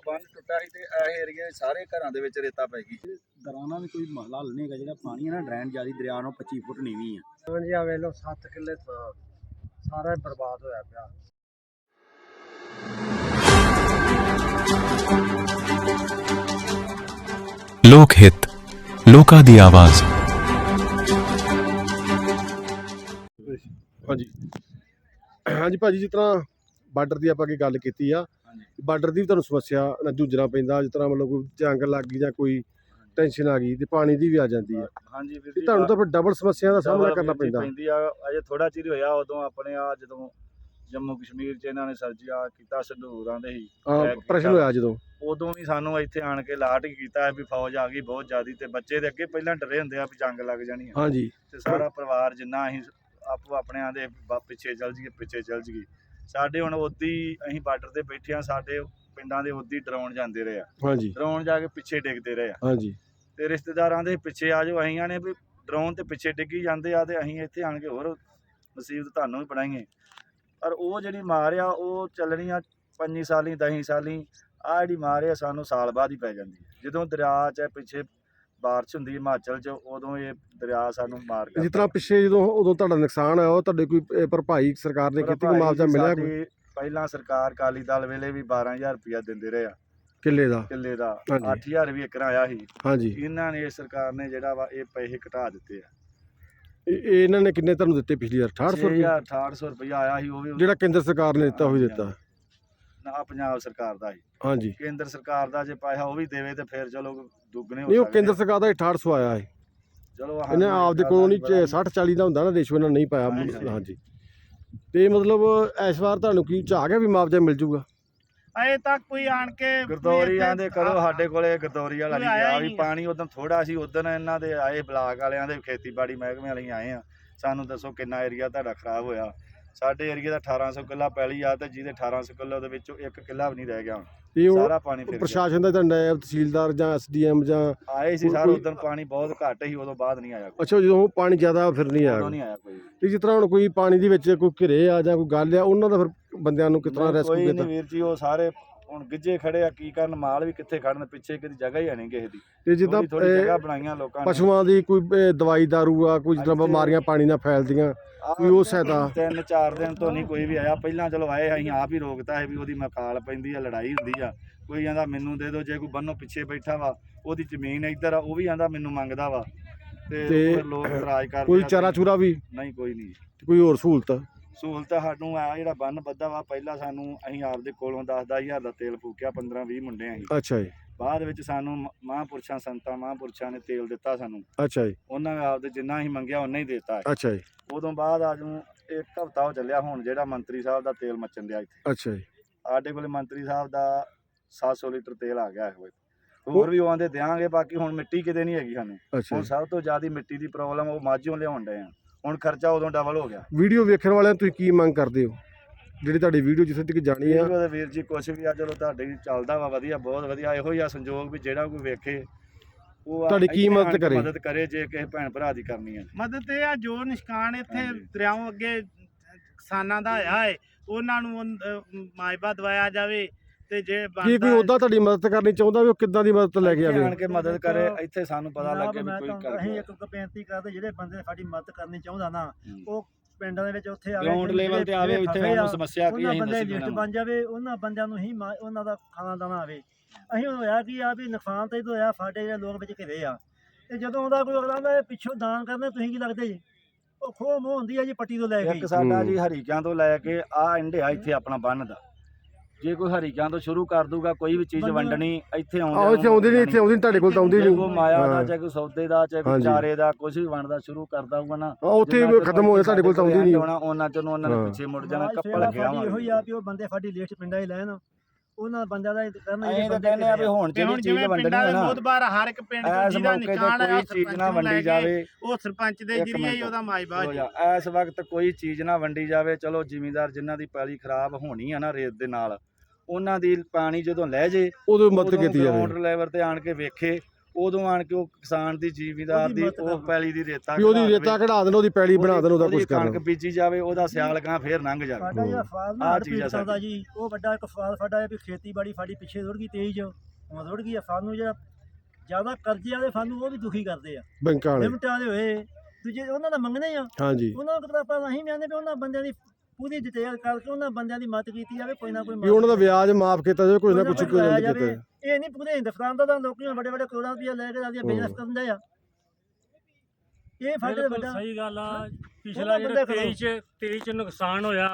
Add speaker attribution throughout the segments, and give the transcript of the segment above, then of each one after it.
Speaker 1: ਬੰਨ ਟੁੱਟਾ ਸੀ ਤੇ ਇਹ ਏਰੀਏ ਸਾਰੇ ਘਰਾਂ ਦੇ ਵਿੱਚ ਰੇਤਾ ਪੈ ਗਈ।
Speaker 2: ਦਰਾਨਾ ਵੀ ਕੋਈ ਮਹਲਾ ਹੱਲ ਨਹੀਂ ਹੈਗਾ। ਜਿਹੜਾ ਪਾਣੀ ਹੈ ਨਾ ਡਰੇਨ ਜਿਆਦੀ ਦਰਿਆ ਨੂੰ 25 ਫੁੱਟ ਨੀਵੀਂ ਆ।
Speaker 3: ਹਾਂਜੀ ਆ ਵੇਖ ਲਓ 7 ਕਿੱਲੇ ਥਾਂ ਸਾਰਾ ਹੀ ਬਰਬਾਦ ਹੋਇਆ ਪਿਆ।
Speaker 4: ਲੋਕ ਹਿੱਤ, ਲੋਕਾਂ ਦੀ ਆਵਾਜ਼।
Speaker 5: ਹਾਂਜੀ ਭਾਜੀ, ਜਿਸ ਤਰ੍ਹਾਂ ਬਾਰਡਰ ਦੀ ਆਪਾਂ ਕੀ ਗੱਲ ਕੀਤੀ ਆ, ਬਾਰਡਰ ਦੀ ਵੀ ਤੁਹਾਨੂੰ ਸਮੱਸਿਆ ਨਾਲ ਜੂਝਣਾ ਪੈਂਦਾ। ਜਿਸ ਤਰ੍ਹਾਂ ਮਤਲਬ ਕੋਈ ਜੰਗ ਲੱਗ ਗਈ ਜਾਂ ਕੋਈ ਟੈਨਸ਼ਨ ਆ ਗਈ ਤੇ ਪਾਣੀ ਦੀ ਵੀ ਆ ਜਾਂਦੀ ਆ।
Speaker 1: ਹਾਂਜੀ ਵੀਰ
Speaker 5: ਤੇ
Speaker 1: ਜੀ,
Speaker 5: ਤੁਹਾਨੂੰ ਤਾਂ ਫਿਰ ਡਬਲ ਸਮੱਸਿਆ ਦਾ ਸਾਹਮਣਾ ਕਰਨਾ ਪੈਂਦਾ।
Speaker 1: ਅਜੇ ਥੋੜਾ ਚਿਰ ਹੋਇਆ ਉਦੋਂ ਆਪਣੇ ਆ ਜਦੋਂ ਜੰਮੂ ਕਸ਼ਮੀਰ 'ਚ ਇਹਨਾਂ ਨੇ ਸਰਜਾ ਕੀਤਾ, ਸੰਧੂਰਾਂ ਦੇ ਹੀ
Speaker 5: ਪ੍ਰਸ਼ਨ ਹੋਇਆ ਜਦੋਂ,
Speaker 1: ਉਦੋਂ ਵੀ ਸਾਨੂੰ ਇੱਥੇ ਆਣ ਕੇ ਲਾਟ ਹੀ ਕੀਤਾ ਵੀ ਫੌਜ ਆ ਗਈ ਬਹੁਤ ਜ਼ਿਆਦੀ। ਤੇ ਬੱਚੇ ਦੇ ਅੱਗੇ ਪਹਿਲਾਂ ਡਰੇ ਹੁੰਦੇ ਆ ਵੀ ਜੰਗ ਲੱਗ ਜਾਣੀ ਆ।
Speaker 5: ਹਾਂਜੀ,
Speaker 1: ਤੇ ਸਾਰਾ ਪਰਿਵਾਰ ਜਿੰਨਾ ਅਸੀਂ ਆਪੋ ਆਪਣਿਆਂ ਦੇ ਪਿੱਛੇ ਚੱਲ ਜੀਏ। ਸਾਡੇ ਹੁਣ ਉਦੀ ਅਸੀਂ ਬਾਰਡਰ ਤੇ ਬੈਠੇ ਆ, ਸਾਡੇ ਪਿੰਡਾਂ ਦੇ ਉਦੀ ਡਰਾਉਣ ਜਾਂਦੇ ਰਹੇ ਆ।
Speaker 5: ਹਾਂਜੀ,
Speaker 1: ਡਰਾਉਣ ਜਾ ਕੇ ਪਿੱਛੇ ਡਿੱਗਦੇ ਰਹੇ ਆ।
Speaker 5: ਹਾਂਜੀ,
Speaker 1: ਤੇ ਰਿਸ਼ਤੇਦਾਰਾਂ ਦੇ ਪਿੱਛੇ ਆ ਜਾਓ, ਅਸੀਂ ਆਣੇ ਵੀ ਡਰਾਉਣ ਤੇ ਪਿੱਛੇ ਡਿੱਗੀ ਜਾਂਦੇ ਆ ਤੇ ਅਸੀਂ ਇੱਥੇ ਆਣ ਕੇ ਹੋਰ ਮੁਸੀਬਤ ਤੁਹਾਨੂੰ ਵੀ ਬਣਾਈਏ। ਪਰ ਉਹ ਜਿਹੜੀ ਮਾਰ ਆ ਉਹ ਚੱਲਣੀ ਆ 5 ਸਾਲੀ 10 ਸਾਲੀ। ਆਹ ਜਿਹੜੀ ਮਾਰ ਆ ਸਾਨੂੰ ਸਾਲ ਬਾਅਦ ਹੀ ਪੈ ਜਾਂਦੀ ਹੈ। ਜਦੋਂ ਦਰਿਆ 'ਚ ਪਿੱਛੇ ਬਾਰਿਸ਼ ਹੁੰਦੀ ਹਿਮਾਚਲ 'ਚ, ਉਦੋਂ ਇਹ ਦਰਿਆ ਸਾਨੂੰ ਮਾਰ
Speaker 5: ਜਿਸ ਤਰ੍ਹਾਂ ਪਿੱਛੇ ਉਦੋਂ ਤੁਹਾਡਾ ਨੁਕਸਾਨ ਹੋਇਆ, ਉਹ ਤੁਹਾਡੇ ਕੋਈ ਭਰਪਾਈ ਸਰਕਾਰ ਨੇ ਕੀਤੀ, ਕੋਈ ਮੁਆਵਜ਼ਾ ਮਿਲਿਆ ਕੋਈ?
Speaker 1: ਪਹਿਲਾਂ ਸਰਕਾਰ ਅਕਾਲੀ ਦਲ ਵੇਲੇ ਵੀ 12,000 ਰੁਪਇਆ ਦਿੰਦੇ ਰਹੇ ਆ
Speaker 5: ਕਿੱਲੇ ਦਾ।
Speaker 1: 8,000 ਵੀ ਏਕੜ ਆਇਆ ਸੀ।
Speaker 5: ਹਾਂਜੀ,
Speaker 1: ਇਹਨਾਂ ਨੇ ਸਰਕਾਰ ਨੇ ਜਿਹੜਾ ਵਾ ਇਹ ਪੈਸੇ ਘਟਾ ਦਿੱਤੇ ਆ।
Speaker 5: ਇਹਨਾਂ ਨੇ ਕਿੰਨੇ ਤੁਹਾਨੂੰ ਦਿੱਤੇ ਪਿਛਲੀ ਵਾਰ?
Speaker 1: 6800 ਰੁਪਇਆ ਆਇਆ ਸੀ। ਉਹ ਵੀ
Speaker 5: ਜਿਹੜਾ ਕੇਂਦਰ ਸਰਕਾਰ ਨੇ ਦਿੱਤਾ ਉਹੀ ਦਿੱਤਾ
Speaker 1: ਨਾ, ਪੰਜਾਬ ਸਰਕਾਰ ਦਾ ਸੀ।
Speaker 5: ਹਾਂਜੀ,
Speaker 1: ਕੇਂਦਰ ਸਰਕਾਰ ਦਾ ਜੇ ਪੈਸਾ ਉਹ ਵੀ ਦੇਵੇ ਤੇ ਫਿਰ ਚਲੋ ਦੁੱਗਣੇ ਹੋ
Speaker 5: ਨਹੀਂ ਉਹ
Speaker 1: ਸਕਦੇ
Speaker 5: ਕੇਂਦਰ ਸਰਕਾਰ ਦਾ 6800 ਆਇਆ ਹੈ।
Speaker 1: ਚਲੋ
Speaker 5: ਇਹਨੇ ਆਪਦੇ ਕੋਲੋਂ ਨਹੀਂ 60-40 ਦਾ ਹੁੰਦਾ ਨਾ ਰੇਸ਼ੋ, ਇਹਨਾਂ ਨਹੀਂ ਪਾਇਆ। ਹਾਂਜੀ, ਤੇ ਮਤਲਬ ਇਸ ਵਾਰ ਤੁਹਾਨੂੰ ਕੀ ਝਾਕ ਗਿਆ ਵੀ ਮੁਆਵਜ਼ਾ ਮਿਲ ਜੂਗਾ?
Speaker 3: ਅਜੇ ਤੱਕ ਕੋਈ ਆਣ ਕੇ
Speaker 1: ਗਰਦੌਰੀਆਂ ਦੇ ਕਦੋਂ ਸਾਡੇ ਕੋਲੇ ਗਰਦੌਰੀ ਵਾਲਾ ਨਹੀਂ ਗਿਆ ਵੀ ਪਾਣੀ। ਉਦੋਂ ਥੋੜਾ ਸੀ, ਉਦੋਂ ਇਹਨਾਂ ਦੇ ਆਏ ਬਲਾਕ ਵਾਲਿਆਂ ਦੇ ਖੇਤੀਬਾੜੀ ਮਹਿਕਮੇ ਵਾਲੇ ਆਏ ਆ। ਸਾਨੂੰ ਦੱਸੋ ਕਿੰਨਾ ਏਰੀਆ ਤੁਹਾਡਾ ਖਰਾਬ ਹੋਇਆ। ਸਾਡੇ ਏਰੀਆ ਦਾ 1800 ਕਿੱਲਾ ਪੈਲੀ ਆ ਤੇ ਜਿਹਦੇ 1800 ਕਿੱਲਾ ਉਹਦੇ ਵਿੱਚੋਂ 1 ਕਿੱਲਾ ਵੀ ਨਹੀਂ ਰਹਿ ਗਿਆ। ਸਾਰਾ ਪਾਣੀ ਫਿਰ
Speaker 5: ਪ੍ਰਸ਼ਾਸਨ ਦਾ ਨਾਇਬ ਤਹਿਸੀਲਦਾਰ ਜਾਂ SDM ਜਾਂ
Speaker 1: ਆਏ ਸੀ ਸਰ। ਉਦੋਂ ਪਾਣੀ ਬਹੁਤ ਘੱਟ ਸੀ, ਉਦੋਂ ਬਾਅਦ ਨਹੀਂ ਆਇਆ।
Speaker 5: ਅੱਛਾ, ਜਦੋਂ ਪਾਣੀ ਜ਼ਿਆਦਾ ਫਿਰ ਨਹੀਂ ਆਇਆ?
Speaker 1: ਨਹੀਂ ਆਇਆ ਕੋਈ।
Speaker 5: ਤੇ ਜਿਸ ਤਰ੍ਹਾਂ ਹੁਣ ਕੋਈ ਪਾਣੀ ਦੇ ਵਿੱਚ ਕੋਈ ਘਿਰੇ ਆ ਜਾਂ ਕੋਈ ਗੱਲ ਆ, ਉਹਨਾਂ ਦਾ ਫਿਰ ਬੰਦਿਆਂ ਨੂੰ ਕਿਸ ਤਰ੍ਹਾਂ ਰੈਸਕਿਊ
Speaker 1: ਕੋਈ
Speaker 5: ਕੀਤਾ?
Speaker 1: ਨਹੀਂ ਵੀਰ ਜੀ, ਉਹ ਸਾਰੇ ਹੁਣ ਗਿੱਜੇ ਖੜੇ ਆ। ਕੀ ਕਰਨ, ਮਾਲ ਵੀ ਕਿੱਥੇ ਖੜਨ, ਪਿੱਛੇ ਕਿਤੇ ਜਗ੍ਹਾ ਹੀ ਹੈ ਨਹੀਂ ਕਿਸੇ ਦੀ।
Speaker 5: ਤੇ ਜਿੱਦਾਂ
Speaker 1: ਜਗ੍ਹਾ ਬਣਾਈਆਂ ਲੋਕਾਂ ਨੇ।
Speaker 5: ਪਸ਼ੂਆਂ ਦੀ ਕੋਈ ਦਵਾਈ ਦਾਰੂ ਆ, ਕੋਈ ਜਿੱਦਾਂ ਬਿਮਾਰੀਆਂ ਪਾਣੀ ਨਾਲ ਫੈਲਦੀਆਂ, ਕੋਈ ਉਹ ਸਹਾਇਤਾ?
Speaker 1: 3-4 ਦਿਨ ਤੋਂ ਨਹੀਂ ਕੋਈ ਵੀ ਆਇਆ। ਪਹਿਲਾਂ ਚਲੋ ਆਏ, ਅਸੀਂ ਆਪ ਹੀ ਰੋਕਤਾ ਹੈ ਵੀ ਉਹਦੀ ਮਕਾਲ ਪੈਂਦੀ ਆ, ਲੜਾਈ ਹੁੰਦੀ ਆ। ਕੋਈ ਕਹਿੰਦਾ ਮੈਨੂੰ ਦੇ ਦਿਓ, ਜੇ ਕੋਈ ਬੰਨੋ ਪਿੱਛੇ ਬੈਠਾ ਵਾ ਉਹਦੀ ਜ਼ਮੀਨ ਇੱਧਰ ਆ, ਉਹ ਵੀ ਕਹਿੰਦਾ ਮੈਨੂੰ ਮੰਗਦਾ ਵਾ। ਤੇ ਲੋਕ ਇਤਰਾਜ਼ ਕਰਦੇ।
Speaker 5: ਕੋਈ ਚਾਰਾ ਚੂਰਾ ਵੀ
Speaker 1: ਨਹੀਂ, ਕੋਈ ਨਹੀਂ।
Speaker 5: ਕੋਈ ਹੋਰ ਸਹੂਲਤ
Speaker 1: ਸਾਨੂੰ ਆ ਜਿਹੜਾ ਬੰਨ ਬੱਧਾ ਵਾ, ਪਹਿਲਾਂ ਸਾਨੂੰ ਅਸੀਂ ਆਪਦੇ ਕੋਲੋਂ 10,000 ਦਾ ਤੇਲ ਫੂਕਿਆ, 15-20 ਮੁੰਡੇ ਅਸੀਂ।
Speaker 5: ਅੱਛਾ ਜੀ।
Speaker 1: ਬਾਅਦ ਵਿੱਚ ਸਾਨੂੰ ਸੰਤਾਂ ਮਹਾਂਪੁਰਸ਼ਾਂ ਨੇ ਤੇਲ ਦਿੱਤਾ ਸਾਨੂੰ।
Speaker 5: ਅੱਛਾ ਜੀ।
Speaker 1: ਉਹਨਾਂ ਨੇ ਆਪਦੇ ਜਿੰਨਾ ਅਸੀਂ ਮੰਗਿਆ ਉਹਨਾਂ ਹੀ ਦਿੱਤਾ।
Speaker 5: ਅੱਛਾ ਜੀ।
Speaker 1: ਉਦੋਂ ਬਾਅਦ ਅੱਜ ਨੂੰ 1 ਹਫ਼ਤਾ ਹੋ ਚੱਲਿਆ ਹੁਣ ਜਿਹੜਾ ਮੰਤਰੀ ਸਾਹਿਬ ਦਾ ਤੇਲ ਮੱਚਣ ਦਿਆ ਇੱਥੇ।
Speaker 5: ਅੱਛਾ ਜੀ।
Speaker 1: ਸਾਡੇ ਕੋਲ ਮੰਤਰੀ ਸਾਹਿਬ ਦਾ 700 ਲੀਟਰ ਤੇਲ ਆ ਗਿਆ ਹੈ। ਹੋਰ ਵੀ ਉਹ ਆਂਦੇ ਦਿਆਂਗੇ, ਬਾਕੀ ਹੁਣ ਮਿੱਟੀ ਕਿਤੇ ਨਹੀਂ ਹੈਗੀ ਸਾਨੂੰ। ਹੁਣ ਸਭ ਤੋਂ ਜ਼ਿਆਦਾ ਮਿੱਟੀ ਦੀ ਪ੍ਰੋਬਲਮ ਉਹ ਮਾਝੋਂ ਲਿਆਉਣ ਡਏ ਆ। ਹੁਣ ਖਰਚਾ ਉਦੋਂ ਡਬਲ ਹੋ ਗਿਆ।
Speaker 5: ਵੀਡੀਓ ਵੇਖਣ ਵਾਲਿਆਂ ਤੁਸੀਂ ਕੀ ਮੰਗ ਕਰਦੇ ਹੋ, ਜਿਹੜੀ ਤੁਹਾਡੀ ਵੀਡੀਓ ਜਿੱਥੇ ਤੱਕ ਜਾਣੀ ਆ?
Speaker 1: ਵੀਰ ਜੀ ਕੁਛ ਵੀ ਆ, ਚਲੋ ਤੁਹਾਡੇ ਚੱਲਦਾ ਵਾ ਵਧੀਆ, ਬਹੁਤ ਵਧੀਆ। ਇਹੋ ਹੀ ਆ ਸੰਜੋਗ ਵੀ ਜਿਹੜਾ ਕੋਈ ਵੇਖੇ ਉਹ
Speaker 5: ਤੁਹਾਡੀ ਕੀ ਮਦਦ
Speaker 1: ਕਰੇ ਜੇ ਕਿਸੇ ਭੈਣ ਭਰਾ ਦੀ ਕਰਨੀ ਹੈ
Speaker 3: ਮਦਦ। ਇਹ ਆ ਜੋ ਨਿਸ਼ਕਾਨ ਇੱਥੇ ਦਰਿਆਵਾਂ ਅੱਗੇ ਕਿਸਾਨਾਂ ਦਾ ਹੋਇਆ ਹੈ, ਉਹਨਾਂ ਨੂੰ ਮਾਇਬਾ ਦਵਾਇਆ ਜਾਵੇ। ਤੇ ਜੇ
Speaker 5: ਕੀ ਕੋਈ ਉਹਦਾ ਤੁਹਾਡੀ ਮਦਦ ਕਰਨੀ ਚਾਹੁੰਦਾ ਵੀ ਉਹ ਕਿੱਦਾਂ ਦੀ ਮਦਦ ਲੈ ਕੇ ਆਵੇ?
Speaker 1: ਆਣ ਕੇ ਮਦਦ ਕਰੇ, ਇੱਥੇ ਸਾਨੂੰ ਪਤਾ ਲੱਗੇ ਵੀ ਕੋਈ ਕਰ।
Speaker 3: ਅਸੀਂ ਇੱਕ ਬੇਨਤੀ ਕਰਦੇ, ਜਿਹੜੇ ਬੰਦੇ ਸਾਡੀ ਮਦਦ ਕਰਨੀ ਚਾਹੁੰਦਾ ਨਾ, ਉਹ ਪਿੰਡਾਂ ਦੇ ਵਿੱਚ ਉੱਥੇ ਆਵੇ,
Speaker 1: ਗਰਾਊਂਡ ਲੈਵਲ ਤੇ ਆਵੇ। ਇੱਥੇ ਸਾਨੂੰ ਸਮੱਸਿਆ ਕੀ ਹੈ,
Speaker 3: ਉਹਨਾਂ ਬੰਦੇ ਲਿਸਟ ਬਣ ਜਾਵੇ, ਉਹਨਾਂ ਬੰਦਿਆਂ ਨੂੰ ਹੀ ਉਹਨਾਂ ਦਾ ਖਾਣਾ ਦਾਣਾ ਆਵੇ। ਅਸੀਂ ਹੋਇਆ ਕੀ ਆ ਵੀ ਨੁਕਸਾਨ ਤਾਂ ਇਹਦੋਂ ਹੋਇਆ, ਸਾਡੇ ਜਿਹੜੇ ਲੋਕ ਵਿੱਚ ਘਿਰੇ ਆ। ਤੇ ਜਦੋਂ ਆਉਂਦਾ ਕੋਈ ਅਗਲਾ ਦਾ ਪਿੱਛੋਂ ਦਾਨ ਕਰਨਾ, ਤੁਸੀਂ ਕੀ ਲੱਗਦੇ ਜੀ? ਉਹ ਖੋਹ ਮੋਹ ਹੁੰਦੀ ਆ ਜੀ ਪੱਟੀ ਤੋਂ ਲੈ ਕੇ।
Speaker 1: ਇੱਕ ਸਾਡਾ ਜੀ ਹਰੀਕਿਆਂ ਤੋਂ ਲੈ ਕੇ ਆ ਇੰਡਿਆ ਇੱਥੇ ਆਪਣਾ ਬੰਨ ਦਾ, ਜੇ ਕੋਈ ਹਰੀਕਿਆਂ ਤੋਂ ਸ਼ੁਰੂ ਕਰ ਦੂਗਾ ਕੋਈ ਵੀ ਚੀਜ਼ ਵੰਡਣੀ, ਇੱਥੇ
Speaker 5: ਆਉਂਦੀ ਨਹੀਂ ਤੁਹਾਡੇ ਕੋਲ ਤਾਂ ਆਉਂਦੀ ਨਹੀਂ।
Speaker 1: ਕੋਈ ਮਾਇਆ ਦਾ, ਚਾਹੇ ਕੋਈ ਸੌਦੇ ਦਾ, ਚਾਹੇ ਕੋਈ ਚਾਰੇ ਦਾ, ਕੁਝ ਵੀ ਵੰਡਦਾ ਸ਼ੁਰੂ ਕਰਦਾ ਹੋਊਗਾ ਨਾ,
Speaker 5: ਉੱਥੇ ਖਤਮ ਹੋ ਜਾ। ਤੁਹਾਡੇ ਕੋਲ ਤਾਂ ਆਉਂਦੀ ਨਹੀਂ।
Speaker 1: ਉਹਨਾਂ ਚੋਂ ਉਹਨਾਂ ਨੇ ਪਿੱਛੇ ਮੁੜ ਜਾਣਾ, ਕੱਪੜ ਗਿਆ।
Speaker 3: ਇਹੋ ਹੀ ਆ ਵੀ ਉਹ ਬੰਦੇ ਸਾਡੀ ਲਿਸਟ ਪਿੰਡਾਂ ਹੀ ਲੈਣ, ਉਹਨਾਂ ਬੰਦਿਆਂ ਦਾ ਕਰਨਾ।
Speaker 1: ਇਹ ਤਾਂ ਕਹਿੰਦੇ ਆ ਵੀ ਹੁਣ ਜਿਹੜੀ ਚੀਜ਼ ਵੰਡਣੀ ਹੈ ਨਾ,
Speaker 3: ਬਹੁਤ ਵਾਰ ਹਰ ਇੱਕ ਪਿੰਡ
Speaker 1: ਇਸ ਮੌਕੇ ਤੇ ਕੋਈ ਚੀਜ਼ ਨਾ ਵੰਡੀ ਜਾਵੇ।
Speaker 3: ਉਹ ਸਰਪੰਚ ਦੇ ਜਰੀਏ ਹੀ ਉਹਦਾ ਮਾਇਬਾ।
Speaker 1: ਇਸ ਵਕਤ ਕੋਈ ਚੀਜ਼ ਨਾ ਵੰਡੀ ਜਾਵੇ। ਚਲੋ ਜ਼ਿਮੀਂਦਾਰ ਜਿਨ੍ਹਾਂ ਦੀ ਪੈਲੀ ਖਰਾਬ ਹੋਣੀ ਆ ਨਾ ਰੇਤ ਦੇ ਨਾਲ, ਉਹਨਾਂ ਦੀ ਪਾਣੀ ਜਦੋਂ ਲੈ ਜੇ
Speaker 5: ਉਦੋਂ ਮਦਦ ਕੀਤੀ ਜਾਵੇ।
Speaker 1: ਗਰਾਊਂਡ ਲੈਵਲ ਤੇ ਆਣ ਕੇ ਵੇਖੇ, ਉਦੋਂ ਆਣ ਕੇ ਉਹ ਕਿਸਾਨ ਦੀ ਜ਼ਿਮੀਂਦਾਰ
Speaker 3: ਉਹਦੀ
Speaker 1: ਦੀ
Speaker 3: ਮਦਦ
Speaker 1: ਉਹ
Speaker 3: ਕਰਨਾ।
Speaker 1: ਪੈਲੀ ਦੀ ਰੇਤਾ
Speaker 5: ਵੀ ਉਹਦੀ
Speaker 1: ਕਢਾ
Speaker 5: ਰੇਤਾ
Speaker 1: ਦੇਵੇ,
Speaker 5: ਕਢਾ ਦੇਣ, ਉਹਦੀ ਪੈਲੀ ਬਣਾ ਦੇਣ, ਉਹਦਾ
Speaker 1: ਉਹਦੀ
Speaker 5: ਕੁਝ
Speaker 1: ਕਣਕ
Speaker 5: ਕਰਨ।
Speaker 1: ਬੀਜੀ ਜਾਵੇ, ਉਹਦਾ ਸਿਆਲ ਗਾਂ ਫੇਰ ਲੰਘ ਜਾਵੇ।
Speaker 3: ਸਾਡਾ ਜਿਹੜਾ ਫਾਰਮ
Speaker 1: ਆਹ
Speaker 3: ਹੜ
Speaker 1: ਚੀਜ਼ ਆ
Speaker 3: ਪੀੜਤਾਂ ਦਾ
Speaker 1: ਸਾਡੀ।
Speaker 3: ਜੀ, ਉਹ ਵੱਡਾ ਇੱਕ ਸਵਾਲ ਸਾਡਾ ਹੈ ਵੀ ਖੇਤੀਬਾੜੀ ਸਾਡੀ ਪਿੱਛੇ ਰੁੜ ਗਈ ਤੇਜ਼, ਹੁਣ ਰੁੜ ਗਈ ਆ। ਸਾਨੂੰ ਜਿਹੜਾ ਜ਼ਿਆਦਾ ਕਰਜ਼ੇ ਵਾਲੇ ਸਾਨੂੰ ਉਹ ਵੀ ਦੁਖੀ ਕਰਦੇ ਆ,
Speaker 5: ਬੈਂਕਾਂ ਵਾਲੇ।
Speaker 3: ਲਿਮਟ ਵਾਲੇ ਹੋਏ, ਦੂਜੇ ਉਹਨਾਂ ਦਾ ਮੰਗਣੇ ਆ,
Speaker 5: ਹਾਂਜੀ,
Speaker 3: ਉਹਨਾਂ ਨੂੰ ਆਪਾਂ ਅਸੀਂ ਕਹਿੰਦੇ ਵੀ ਉਹਨਾਂ ਬੰਦਿਆਂ ਦੀ ਪੂਰੀ ਡਿਟੇਲ ਕਰਕੇ ਉਹਨਾਂ ਬੰਦਿਆਂ ਦੀ ਮਦਦ ਕੀਤੀ ਜਾਵੇ, ਕੋਈ ਨਾ ਕੋਈ
Speaker 5: ਵੀ ਉਹਨਾਂ ਦਾ ਵਿਆਜ ਮਾਫ ਕੀਤਾ ਜਾਵੇ, ਕੁਝ ਨਾ ਕੁਝ
Speaker 3: ਕੋਈ
Speaker 5: ਕੀਤਾ
Speaker 3: ਜਾਵੇ।
Speaker 5: ਜਾਵੇ।
Speaker 3: ਇਹ ਨਹੀਂ ਪੂਰੇ ਹਿੰਦੁਸਤਾਨ ਦਾ ਤਾਂ ਲੋਕੀ ਵੱਡੇ ਵੱਡੇ ਕਰੋੜਾਂ ਰੁਪਇਆ ਲੈ ਕੇ ਆਪਦੀਆਂ ਬਿਜ਼ਨਸ ਕਰਦੇ ਆ। ਇਹ ਸਾਡੇ
Speaker 6: ਬਿਲਕੁਲ
Speaker 3: ਵੱਡਾ
Speaker 6: ਸਹੀ ਗੱਲ ਆ। ਪਿਛਲਾ
Speaker 3: ਉਹਦਾ
Speaker 6: ਜਿਹੜਾ
Speaker 3: ਬੰਦਾ
Speaker 6: 23 ਚ ਨੁਕਸਾਨ ਹੋਇਆ,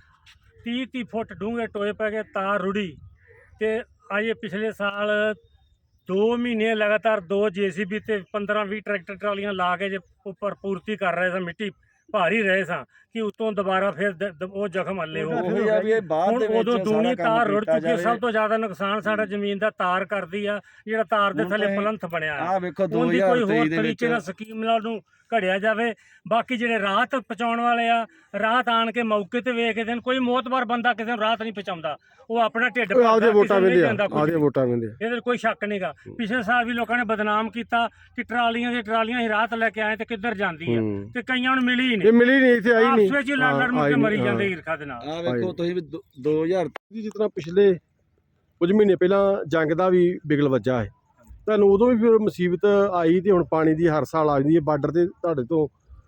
Speaker 6: 30 ਫੁੱਟ ਡੂੰਘੇ ਟੋਏ ਪੈ ਗਏ, ਤਾਰ ਰੁੜੀ। ਤੇ ਅਜੇ ਪਿਛਲੇ ਸਾਲ 2 ਮਹੀਨੇ ਲਗਾਤਾਰ 2 JCB ਤੇ 15-20 ਟਰੈਕਟਰ ਟਰਾਲੀਆਂ ਲਾ ਕੇ ਜੇ ਉੱਪਰ ਪੂਰਤੀ ਕਰ ਰਹੇ ਸਾਂ, ਮਿੱਟੀ ਭਾਰੀ ਰਹੇ ਸਾਂ ਕਿ ਉਤੋਂ ਦੁਬਾਰਾ ਫਿਰ ਉਹ ਜ਼ਖਮ ਹੱਲੇ ਹੋ
Speaker 3: ਉਹੀ
Speaker 6: ਗਏ।
Speaker 1: ਆ ਵੀ ਇਹ ਬਾਅਦ
Speaker 6: ਹੁਣ
Speaker 1: ਦੇ ਵਿੱਚ
Speaker 6: ਉਦੋਂ
Speaker 1: ਸਾਰਾ
Speaker 6: ਦੂਣੀ
Speaker 1: ਕੰਮ
Speaker 6: ਤਾਰ ਰੁੜ
Speaker 1: ਕੀਤਾ
Speaker 6: ਚੁੱਕੀ ਹੈ।
Speaker 1: ਜਾਵੇ।
Speaker 6: ਸਭ ਤੋਂ ਜ਼ਿਆਦਾ ਨੁਕਸਾਨ ਸਾਡਾ ਜ਼ਮੀਨ ਦਾ ਤਾਰ ਕਰਦੀ ਆ, ਜਿਹੜਾ ਤਾਰ ਦੇ
Speaker 1: ਹੁਣ
Speaker 6: ਥੱਲੇ
Speaker 1: ਤਾਂ
Speaker 6: ਪਲੰਥ ਬਣਿਆ
Speaker 1: ਆਹ ਵੇਖੋ
Speaker 6: ਉਹਦੀ ਕੋਈ
Speaker 1: 2023
Speaker 6: ਹੋਰ
Speaker 1: ਦੇ
Speaker 6: ਤਰੀਕੇ ਨਾਲ
Speaker 1: ਵਿੱਚ
Speaker 6: ਸਕੀਮ ਨਾਲ ਨੂੰ ਘੜਿਆ ਜਾਵੇ। ਬਾਕੀ ਜਿਹੜੇ ਰਾਹਤ ਪਹੁੰਚਾਉਣ ਵਾਲੇ ਆ, ਰਾਹਤ ਆਣ ਕੇ ਮੌਕੇ ਤੇ ਵੇਖ ਕੇ ਦੇਣ। ਕੋਈ ਮੋਤਬਰ ਬੰਦਾ ਕਿਸੇ ਨੂੰ ਰਾਹਤ ਨਹੀਂ ਪਹੁੰਚਾਉਂਦਾ, ਉਹ ਆਪਣਾ ਢਿੱਡ
Speaker 5: ਉਹ ਆਪਦੇ
Speaker 6: ਭਰਦਾ,
Speaker 5: ਵੋਟਾਂ
Speaker 6: ਕਿਸੇ ਨੂੰ ਨਹੀਂ
Speaker 5: ਵੇਂਦੇ ਆ,
Speaker 6: ਦਿੰਦਾ ਕੁਝ
Speaker 5: ਆਪਦੇ
Speaker 6: ਵੀ।
Speaker 5: ਵੋਟਾਂ ਵੇਂਦੇ ਆ।
Speaker 6: ਇਹਦੇ 'ਚ ਕੋਈ ਸ਼ੱਕ ਨਹੀਂਗਾ। ਪਿਛਲੇ ਸਾਲ ਵੀ ਲੋਕਾਂ ਨੇ ਬਦਨਾਮ ਕੀਤਾ ਕਿ ਟਰਾਲੀਆਂ ਦੀ ਟਰਾਲੀਆਂ ਹੀ ਰਾਹਤ ਲੈ ਕੇ ਆਏ ਤੇ ਕਿੱਧਰ ਜਾਂਦੀ ਆ,
Speaker 5: ਹੂੰ।
Speaker 6: ਤੇ ਕਈਆਂ ਨੂੰ ਮਿਲੀ ਹੀ
Speaker 5: ਇਹ
Speaker 6: ਨਹੀਂ।
Speaker 5: ਮਿਲੀ ਨਹੀਂ, ਇੱਥੇ ਆਈ ਨਹੀਂ।
Speaker 6: ਆਪਸ ਵਿੱਚ ਹੀ ਲੜ ਲੜ ਮੁੜ ਕੇ ਮਰੀ ਜਾਂਦੇ ਈਰਖਾ ਦੇ ਨਾਲ।
Speaker 1: ਆਹ ਵੇਖੋ ਤੁਸੀਂ ਵੀ 2000
Speaker 5: ਜਿਸ ਤਰ੍ਹਾਂ ਪਿਛਲੇ ਕੁਝ ਮਹੀਨੇ ਪਹਿਲਾਂ ਜੰਗ ਦਾ ਵੀ ਬਿਗਲ ਵੱਜਾ ਹੈ, ਤੁਹਾਨੂੰ ਉਦੋਂ ਵੀ ਫਿਰ ਮੁਸੀਬਤ ਆਈ ਤੇ ਹੁਣ ਪਾਣੀ ਦੀ ਹਰ ਸਾਲ ਆ ਜਾਂਦੀ ਹੈ। ਬਾਰਡਰ ਤੇ ਤੁਹਾਡੇ ਤੋਂ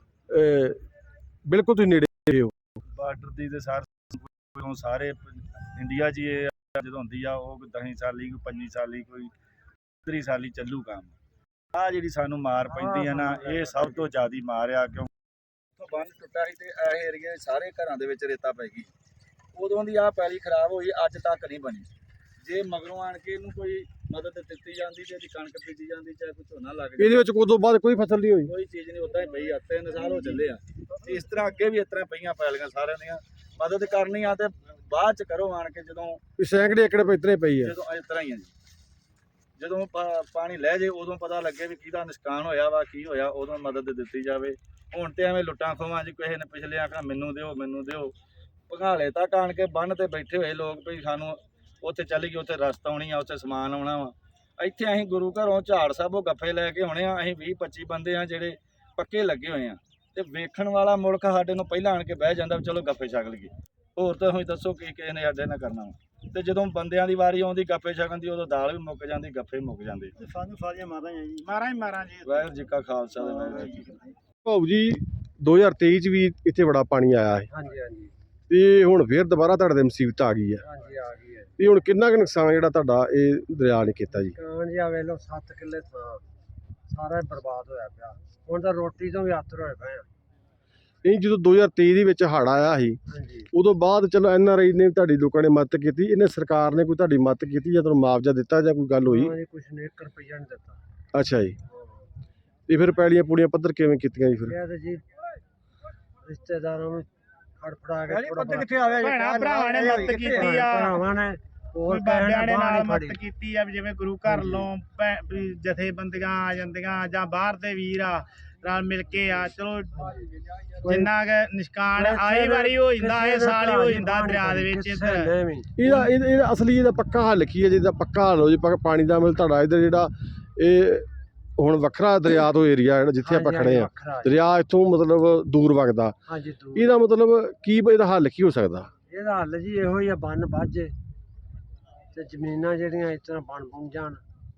Speaker 5: ਬਿਲਕੁਲ ਤੁਸੀਂ ਨੇੜੇ ਹੋ।
Speaker 1: ਬਾਰਡਰ ਦੀ ਤੇ ਸਾਰੇ ਇੰਡੀਆ 'ਚ ਹੀ ਇਹ ਜਦੋਂ ਹੁੰਦੀ ਆ, ਉਹ 10 ਸਾਲੀ ਕੋਈ 25 ਸਾਲੀ ਕੋਈ 30 ਸਾਲੀ ਚੱਲੂ ਕੰਮ। ਆਹ ਜਿਹੜੀ ਸਾਨੂੰ ਮਾਰ ਪੈਂਦੀ ਆ ਨਾ, ਇਹ ਸਭ ਤੋਂ ਜ਼ਿਆਦੀ ਮਾਰ ਆ। ਕਿਉਂ ਉੱਥੋਂ ਬੰਨ ਟੁੱਟਾ ਸੀ ਤੇ ਇਹ ਏਰੀਏ ਸਾਰੇ ਘਰਾਂ ਦੇ ਵਿੱਚ ਰੇਤਾ ਪੈ ਗਈ। ਉਦੋਂ ਦੀ ਆਹ ਪੈਲੀ ਖਰਾਬ ਹੋਈ, ਅੱਜ ਤੱਕ ਨਹੀਂ ਬਣੀ। ਜੇ ਮਗਰੋਂ ਆਣ ਕੇ ਇਹਨੂੰ ਕੋਈ ਮਦਦ ਦਿੱਤੀ ਜਾਂਦੀ ਤੇ ਇਹਦੀ ਕਣਕ ਬੀਜੀ ਜਾਂਦੀ, ਚਾਹੇ ਕੋਈ ਝੋਨਾ ਲੱਗ ਜਾਂਦਾ,
Speaker 5: ਇਹਦੇ ਵਿੱਚ ਉਦੋਂ ਬਾਅਦ ਕੋਈ ਫਸਲ ਨਹੀਂ ਹੋਈ।
Speaker 1: ਕੋਈ ਚੀਜ਼ ਨਹੀਂ, ਉਦਾਂ ਹੀ ਪਈ ਆ। 3 ਸਾਲ ਹੋ ਚੱਲੇ ਆ ਤੇ ਇਸ ਤਰ੍ਹਾਂ ਅੱਗੇ ਵੀ ਇਸ ਤਰ੍ਹਾਂ ਪਈਆਂ ਪੈਲੀਆਂ ਸਾਰਿਆਂ ਦੀਆਂ। ਮਦਦ ਕਰਨੀ ਆ ਤੇ ਬਾਅਦ ਚ ਕਰੋ ਆਣ ਕੇ, ਜਦੋਂ
Speaker 5: ਵੀ ਸੈਂਕੜੇ ਏਕੜ ਇਤਨੇ ਪਈ ਹੈ।
Speaker 1: ਜਦੋਂ ਇਸ ਤਰ੍ਹਾਂ ਹੀ ਆ ਜੀ। ਜਦੋਂ ਪਾਣੀ ਲੈ ਜੇ ਉਦੋਂ ਪਤਾ ਲੱਗੇ ਵੀ ਕਿਹਦਾ ਨੁਕਸਾਨ ਹੋਇਆ ਵਾ, ਕੀ ਹੋਇਆ, ਉਦੋਂ ਮਦਦ ਦਿੱਤੀ ਜਾਵੇ। ਹੁਣ ਤੇ ਐਵੇਂ ਲੁੱਟਾਂ ਖੋਵਾਂ ਜੀ, ਕਿਸੇ ਨੇ ਪਿਛਲੇ ਆਖਣਾ ਮੈਨੂੰ ਦਿਓ ਮੈਨੂੰ ਦਿਓ। ਭਗਾਲੇ ਤੱਕ ਆਣ ਕੇ ਬੰਨ ਤੇ ਬੈਠੇ ਹੋਏ ਲੋਕ ਵੀ ਸਾਨੂੰ ਉੱਥੇ ਚੱਲ ਗਈ, ਉੱਥੇ ਰਸਤਾ ਆਉਣੀ ਆ, ਉੱਥੇ ਸਮਾਨ ਆਉਣਾ ਵਾ। ਇੱਥੇ ਅਸੀਂ ਗੁਰੂ ਘਰੋਂ ਝਾੜ ਸਾਹਿਬੋਂ ਗੱਫੇ ਲੈ ਕੇ ਆਉਣੇ ਆ। ਅਸੀਂ 20-25 ਬੰਦੇ ਆ ਜਿਹੜੇ ਪੱਕੇ ਲੱਗੇ ਹੋਏ ਆ, ਤੇ ਵੇਖਣ ਵਾਲਾ ਮੁਲਕ ਸਾਡੇ ਨੂੰ ਪਹਿਲਾਂ ਆਣ ਕੇ ਬਹਿ ਜਾਂਦਾ ਵੀ ਚਲੋ ਗੱਫੇ ਛਕ ਲਈਏ। ਹੋਰ ਤਾਂ ਤੁਸੀਂ ਦੱਸੋ ਕੀ ਕਿਸੇ ਨੇ ਸਾਡੇ ਨਾਲ ਕਰਨਾ ਵਾ। ਤੇ ਜਦੋਂ ਬੰਦਿਆਂ ਦੀ ਵਾਰੀ ਆਉਂਦੀ ਗੱਫੇ ਛਕਣ ਦੀ, ਉਦੋਂ ਦਾਲ ਵੀ ਮੁੱਕ ਜਾਂਦੀ, ਗੱਫੇ ਮੁੱਕ ਜਾਂਦੇ।
Speaker 3: ਤੇ ਸਾਨੂੰ ਸਾਰੀਆਂ ਮਾਰਾਂ ਹੀ ਆ ਜੀ।
Speaker 6: ਮਾਰਾਂ ਜੀ।
Speaker 1: ਵਾਹਿਗੁਰੂ ਜੀ ਕਾ ਖਾਲਸਾ ਤੇ ਵਾਹਿਗੁਰੂ ਜੀ ਕੀ ਫਤਿਹ।
Speaker 5: ਭਾਊ ਜੀ 2023 ਚ ਵੀ ਇੱਥੇ ਬੜਾ ਪਾਣੀ ਆਇਆ ਹੈ,
Speaker 2: ਹਾਂਜੀ ਹਾਂਜੀ
Speaker 5: ਤੇ ਹੁਣ ਫੇਰ ਦੁਬਾਰਾ ਤੁਹਾਡੇ ਤੇ ਮੁਸੀਬਤ ਆ ਗਈ ਹੈ।
Speaker 2: ਹਾਂਜੀ ਆ ਗਈ ਹੈ।
Speaker 5: ਤੇ ਹੁਣ ਕਿੰਨਾ ਕੁ ਨੁਕਸਾਨ ਜਿਹੜਾ ਤੁਹਾਡਾ ਇਹ ਦਰਿਆ ਨੇ ਕੀਤਾ ਜੀ?
Speaker 2: ਕਾਂ ਜੀ ਆ ਵੇਖ ਲਓ 7 ਕਿੱਲੇ ਥਾਂ ਸਾਰਾ ਹੀ ਬਰਬਾਦ ਹੋਇਆ ਪਿਆ। ਹੁਣ ਤਾਂ ਰੋਟੀ ਤੋਂ ਵੀ ਆਤਰ ਹੋਏ ਪਏ ਆ।
Speaker 5: ਇਹ ਜਦੋਂ 2023 ਦੇ ਵਿੱਚ ਹੜ੍ਹ ਆਇਆ ਸੀ,
Speaker 2: ਹਾਂਜੀ
Speaker 5: ਉਦੋਂ ਬਾਅਦ ਚਲੋ NRI ਨੇ ਤੁਹਾਡੀ ਲੋਕਾਂ ਨੇ ਮਦਦ ਕੀਤੀ, ਇਹਨੇ ਸਰਕਾਰ ਨੇ ਕੋਈ ਤੁਹਾਡੀ ਮਦਦ ਕੀਤੀ ਜਾਂ ਤੁਹਾਨੂੰ ਮੁਆਵਜ਼ਾ ਦਿੱਤਾ ਜਾਂ ਕੋਈ ਗੱਲ ਹੋਈ?
Speaker 2: ਹਾਂ ਜੀ, ਕੁਛ ਨੇ 1 ਰੁਪਈਆ ਨਹੀਂ ਦਿੱਤਾ।
Speaker 5: ਅੱਛਾ ਜੀ। ਤੇ ਫਿਰ ਪੈਲੀਆਂ ਪੂੜੀਆਂ ਪੱਧਰ ਕਿਵੇਂ ਕੀਤੀਆਂ ਜੀ ਫਿਰ?
Speaker 2: ਇਹ ਤਾਂ ਜੀ ਰਿਸ਼ਤੇਦਾਰਾਂ ਨੂੰ ਫੜਫੜਾ ਕੇ ਥੋੜਾ
Speaker 3: ਕਿੱਥੇ ਆਵੇ
Speaker 6: ਭੈਣਾਂ ਭਰਾਵਾਂ ਨੇ ਮਦਦ ਕੀਤੀ ਆ।
Speaker 2: ਭਰਾਵਾਂ ਨੇ ਹੋਰ
Speaker 6: ਬਾਬਿਆਂ ਨੇ ਨਾਲ
Speaker 2: ਫੜੀ।
Speaker 6: ਮਦਦ ਕੀਤੀ ਆ, ਵੀ ਜਿਵੇਂ ਗੁਰੂ ਘਰ ਲੋਂ ਜਥੇਬੰਦੀਆਂ ਆ ਜਾਂਦੀਆਂ ਜਾਂ ਬਾਹਰ ਦੇ ਵੀਰ ਆ ਰਲ ਮਿਲ ਕੇ ਆ। ਚਲੋ ਜਿੰਨਾ ਕੁ ਨਿਸ਼ਕਾਨ ਆਈ ਵਾਰੀ ਹੋ ਜਾਂਦਾ, ਇਹ ਸਾਲ ਹੀ ਹੋ ਜਾਂਦਾ ਦਰਿਆ ਦੇ ਵਿੱਚ।
Speaker 5: ਇਹਦਾ ਅਸਲੀ ਇਹਦਾ ਪੱਕਾ ਹੱਲ ਕੀ ਹੈ? ਜਿਹਦਾ ਪੱਕਾ ਹੱਲ ਹੋ ਜੇ ਪਾਣੀ ਦਾ, ਮਤਲਬ ਤੁਹਾਡਾ ਇੱਧਰ ਜਿਹੜਾ ਇਹ ਹੁਣ ਵੱਖਰਾ ਦਰਿਆ ਤੋਂ ਏਰੀਆ ਜਿਹੜਾ ਜਿੱਥੇ ਆਪਾਂ ਖੜੇ ਆ, ਦਰਿਆ ਇੱਥੋਂ ਮਤਲਬ ਦੂਰ ਵਗਦਾ,
Speaker 2: ਹਾਂਜੀ ਦੂਰ।
Speaker 5: ਇਹਦਾ ਮਤਲਬ ਕੀ, ਇਹਦਾ ਹੱਲ ਕੀ ਹੋ ਸਕਦਾ?
Speaker 2: ਇਹਦਾ ਹੱਲ ਜੀ ਇਹੋ ਹੀ ਆ, ਬੰਨ ਵੱਜੇ ਤੇ ਜ਼ਮੀਨਾਂ ਜਿਹੜੀਆਂ ਇਸ ਤਰ੍ਹਾਂ ਬਣ ਜਾਣ,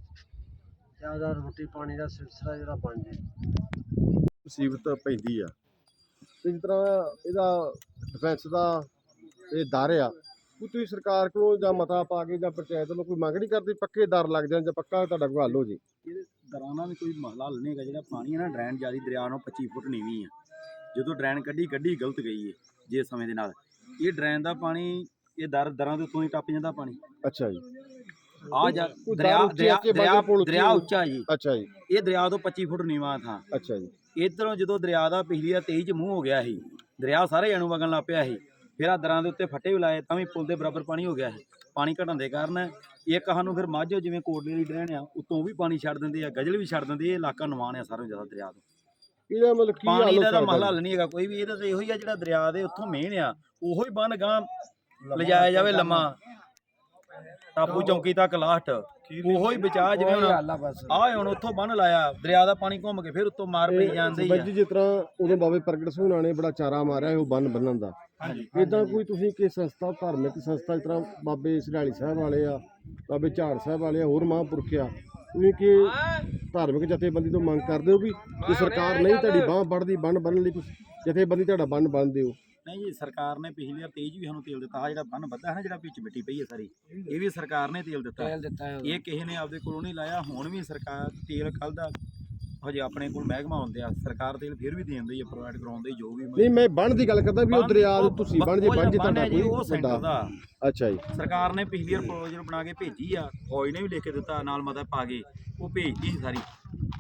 Speaker 2: ਜ਼ਿਆਦਾ ਰੋਟੀ ਪਾਣੀ ਦਾ ਸਿਲਸਿਲਾ ਜਿਹੜਾ ਬਣ ਜੇ।
Speaker 5: ਮੁਸੀਬਤ ਪੈਂਦੀ ਆ ਤੇ ਜਿਸ ਤਰ੍ਹਾਂ ਇਹਦਾ ਡਿਫੈਂਸ ਦਾ ਇਹ ਦਰ ਆ, ਕੋਈ ਤੁਸੀਂ ਸਰਕਾਰ ਕੋਲੋਂ ਜਾਂ ਮਤਾ ਪਾ ਕੇ ਜਾਂ ਪੰਚਾਇਤ ਵੱਲੋਂ ਕੋਈ ਮੰਗ ਨਹੀਂ ਕਰਦੀ ਪੱਕੇ ਦਰ ਲੱਗ ਜਾਣ ਜਾਂ ਪੱਕਾ ਤੁਹਾਡਾ ਕੋਈ ਹੱਲ ਹੋ ਜੇ?
Speaker 2: ਇਹਦੇ ਦਰਾਂ ਦਾ ਵੀ ਕੋਈ ਮਸਲਾ ਹੱਲ ਨਹੀਂ ਹੈਗਾ। ਜਿਹੜਾ ਪਾਣੀ ਹੈ ਨਾ, ਡਰੇਨ ਜਿਆਦਾ ਦਰਿਆ ਨੂੰ 25 ਫੁੱਟ ਨੀਵੀਂ ਆ। ਜਦੋਂ ਡਰੇਨ ਕੱਢੀ ਗਲਤ ਗਈ ਹੈ ਜੇ ਸਮੇਂ ਦੇ ਨਾਲ। ਇਹ ਡਰੇਨ ਦਾ ਪਾਣੀ ਇਹ ਦਰਾਂ ਦੇ ਉੱਤੋਂ ਹੀ ਟੱਪ ਜਾਂਦਾ ਪਾਣੀ।
Speaker 5: ਅੱਛਾ ਜੀ।
Speaker 2: ਆ ਜਾ
Speaker 5: ਕੋਈ
Speaker 2: ਦਰਿਆ
Speaker 5: ਦਰ ਉੱਚੇ
Speaker 2: ਦਰਿਆ
Speaker 5: ਅੱਗੇ
Speaker 2: ਦਰਿਆ
Speaker 5: ਬਾਗੇ ਪੁਲ ਉੱਚੇ
Speaker 2: ਦਰਿਆ ਉੱਚਾ ਜੀ।
Speaker 5: ਅੱਛਾ ਜੀ।
Speaker 2: ਇਹ ਦਰਿਆ ਤੋਂ 25 ਫੁੱਟ ਨੀਵਾਂ ਥਾਂ।
Speaker 5: ਅੱਛਾ ਜੀ।
Speaker 2: ਇੱਧਰੋਂ ਜਦੋਂ ਦਰਿਆ ਦਾ ਪਿਛਲੀ ਦਾ 23 ਚ ਮੂੰਹ ਹੋ ਗਿਆ ਸੀ, ਦਰਿਆ ਸਾਰੇ ਜਾਣੂ ਵਗਣ ਲੱਗ ਪਿਆ ਸੀ। ਫਿਰ ਆ ਦਰਾਂ ਦੇ ਉੱਤੇ ਫੱਟੇ ਵੀ ਲਾਏ, ਤਾਂ ਵੀ ਪੁਲ ਦੇ ਬਰਾਬਰ ਪਾਣੀ ਹੋ ਗਿਆ ਸੀ। ਪਾਣੀ ਘਟਣ ਦੇ ਕਾਰਨ ਇੱਕ ਸਾਨੂੰ ਫਿਰ ਮਾਝੋ ਜਿਵੇਂ ਕੋਟਲੇ ਦੀ ਡਰੇਨ ਆ, ਉੱਤੋਂ ਵੀ ਪਾਣੀ ਛੱਡ ਦਿੰਦੇ ਆ, ਗਜਲ ਵੀ ਛੱਡ ਦਿੰਦੇ। ਇਹ ਇਲਾਕਾ ਨਵਾਨ ਆ ਸਾਰਿਆਂ ਜ਼ਿਆਦਾ ਦਰਿਆ ਤੋਂ।
Speaker 5: ਇਹਦਾ ਮਤਲਬ ਕੀ ਹੱਲ
Speaker 2: ਪਾਣੀ
Speaker 5: ਹੋ
Speaker 2: ਦਾ ਤਾਂ
Speaker 5: ਸਕਦਾ?
Speaker 2: ਮਸਲਾ ਹੱਲ ਨਹੀਂ ਹੈਗਾ ਕੋਈ ਵੀ। ਇਹਦਾ ਤਾਂ ਇਹੋ ਹੀ ਆ, ਜਿਹੜਾ ਦਰਿਆ ਦੇ ਉੱਥੋਂ ਮੇਨ ਆ ਉਹੋ ਹੀ ਬੰਨ ਗਾਂ ਲਿਜਾਇਆ ਜਾਵੇ ਲੰਮਾ। ਟਾਪੂ ਚੌਂਕੀ ਤੱਕ ਲਾਸਟ ਉਹੋ ਹੀ ਬਚਾ ਜਿਵੇਂ ਹੁਣ ਆ ਹੁਣ ਉੱਥੋਂ ਬੰਨ ਲਾਇਆ ਦਰਿਆ ਦਾ ਪਾਣੀ ਘੁੰਮ ਕੇ ਫਿਰ ਉੱਤੋਂ ਮਾਰ ਪਈ ਜਾਂਦੇ ਹੀ
Speaker 5: ਬਾਈ
Speaker 2: ਆ।
Speaker 5: ਜੀ ਜਿਸ ਤਰ੍ਹਾਂ ਉਦੋਂ ਬਾਬੇ ਪ੍ਰਗਟ ਸਿੰਘ ਹੋਣਾ ਨੇ ਬੜਾ ਚਾਰਾ ਮਾਰਿਆ ਉਹ ਬੰਨ ਬੰਨਣ ਦਾ, ਇਦਾਂ ਕੋਈ ਤੁਸੀਂ ਕਿ ਸੰਸਥਾ ਧਾਰਮਿਕ ਸੰਸਥਾ ਜਿਸ ਤਰ੍ਹਾਂ ਬਾਬੇ ਸਰਾਲੀ ਸਾਹਿਬ ਵਾਲੇ ਆ, ਬਾਬੇ ਝਾੜ ਸਾਹਿਬ ਵਾਲੇ ਆ, ਹੋਰ ਮਹਾਂਪੁਰਖ ਆ, ਤੁਸੀਂ ਕਿ ਧਾਰਮਿਕ ਜਥੇਬੰਦੀ ਤੋਂ ਮੰਗ ਕਰਦੇ ਹੋ ਵੀ ਜੇ ਸਰਕਾਰ ਨਹੀਂ ਤੁਹਾਡੀ ਬਾਂਹ ਵੱਢਦੀ ਬੰਨ ਬੰਨਣ ਲਈ ਤੁਸੀਂ ਜਥੇਬੰਦੀ ਤੁਹਾਡਾ ਬੰਨ ਬੰਨ ਦਿਓ?
Speaker 2: ਨਹੀਂ ਜੀ, ਸਰਕਾਰ ਨੇ ਪਿਛਲੀ ਵਾਰ ਤੇਜ ਵੀ ਸਾਨੂੰ ਤੇਲ ਦਿੱਤਾ। ਆ ਜਿਹੜਾ ਬੰਨ ਵੱਧਾ ਹੈ ਨਾ, ਜਿਹੜਾ ਵਿੱਚ ਮਿੱਟੀ ਪਈ ਹੈ ਸਾਰੀ, ਇਹ ਵੀ ਸਰਕਾਰ ਨੇ ਤੇਲ ਦਿੱਤਾ। ਇਹ ਕਿਸੇ ਨੇ ਆਪਦੇ ਕੋਲੋਂ ਨਹੀਂ ਲਾਇਆ। ਹੁਣ ਵੀ ਸਰਕਾਰ ਤੇਲ ਕੱਲ ਦਾ ਹਜੇ ਆਪਣੇ ਕੋਲ ਮਹਿਕਮਾ ਹੁੰਦੇ ਆ, ਸਰਕਾਰ ਤੇਲ ਫਿਰ ਵੀ ਦੇ ਦਿੰਦੀ ਹੈ, ਪ੍ਰੋਵਾਈਡ ਕਰਾਉਂਦੇ ਜੋ ਵੀ।
Speaker 5: ਨਹੀਂ ਮੈਂ ਬੰਨ ਦੀ ਗੱਲ ਕਰਦਾ ਵੀ ਉਹ ਦਰਿਆ ਦੇ ਤੁਸੀਂ ਬੰਨ ਜੇ ਬੰਨ ਜੇ ਤੁਹਾਡਾ ਕੋਈ
Speaker 2: ਉਹ ਸੈਂਟਰ ਦਾ।
Speaker 5: ਅੱਛਾ ਜੀ,
Speaker 2: ਸਰਕਾਰ ਨੇ ਪਿਛਲੀ ਵਾਰ ਪ੍ਰੋਜੈਕਟ ਬਣਾ ਕੇ ਭੇਜੀ ਆ, ਫੌਜ ਨੇ ਵੀ ਲਿਖ ਕੇ ਦਿੱਤਾ ਨਾਲ ਮਤਾ ਪਾ ਕੇ, ਉਹ ਭੇਜਦੀ ਸੀ ਸਾਰੀ।